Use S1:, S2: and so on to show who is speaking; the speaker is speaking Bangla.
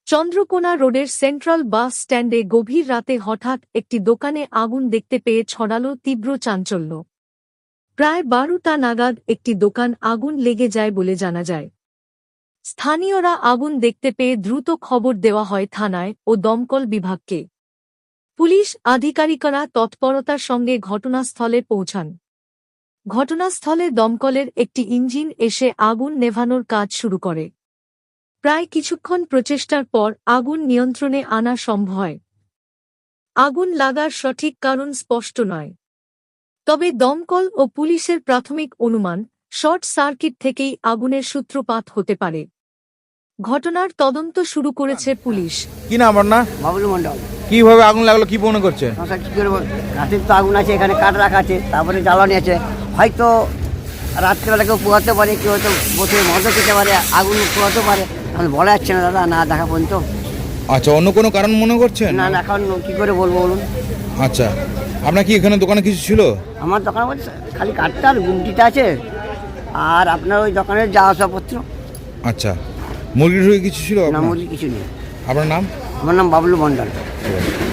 S1: চন্দ্রকোনা রোডের সেন্ট্রাল বাস স্ট্যান্ডে গভীর রাতে হঠাৎ একটি দোকানে আগুন দেখতে পেয়ে ছড়ালো তীব্র চাঞ্চল্য। প্রায় 12টা নাগাদ একটি দোকান আগুন লেগে যায় বলে জানা যায়। স্থানীয়রা আগুন দেখতে পেয়ে দ্রুত খবর দেওয়া হয় থানায় ও দমকল বিভাগকে। পুলিশ আধিকারিকরা তৎপরতার সঙ্গে ঘটনাস্থলে পৌঁছান। ঘটনাস্থলে দমকলের একটি ইঞ্জিন এসে আগুন নেভানোর কাজ শুরু করে। প্রায় কিছুক্ষণ প্রচেষ্টার পর আগুন নিয়ন্ত্রণে আনা সম্ভব হয়। আগুন লাগার সঠিক কারণ স্পষ্ট নয়, তবে দমকল ও পুলিশের প্রাথমিক অনুমান শর্ট সার্কিট থেকেই আগুনের সূত্রপাত হতে পারে। ঘটনার তদন্ত শুরু করেছে পুলিশ।
S2: কি নাম আপনার?
S3: বাবুল মন্ডল।
S2: কিভাবে আগুন লাগলো কি মনে করছেন?
S3: কি করবো, রাতের তো আগুন আছে, এখানে কাঠ রাখা আছে, তারপরে জ্বালানি আছে। হয়তো রাত্রিবেলা কেউ পোয়াতে পারে, কেউ হয়তো বসে মজা খেতে পারে, আগুন পোয়াতে পারে, এখন বলা যাচ্ছে না দাদা, না দেখা পর্যন্ত।
S2: আচ্ছা, অন্য কোনো কারণ মনে করছেন?
S3: না না, এখন কি করে বলবো বলুন।
S2: আচ্ছা, আপনার কি এখানে দোকানে কিছু ছিল?
S3: আমার দোকানে বলছে খালি কাঠটা আর গুমটিটা আছে, আর আপনার ওই দোকানের যা আসবাবপত্র।
S2: আচ্ছা, মুরগি টুরগি কিছু ছিল?
S3: না, মুরগি কিছু নেই।
S2: আপনার নাম?
S3: আমার নাম বাবলু মন্ডল।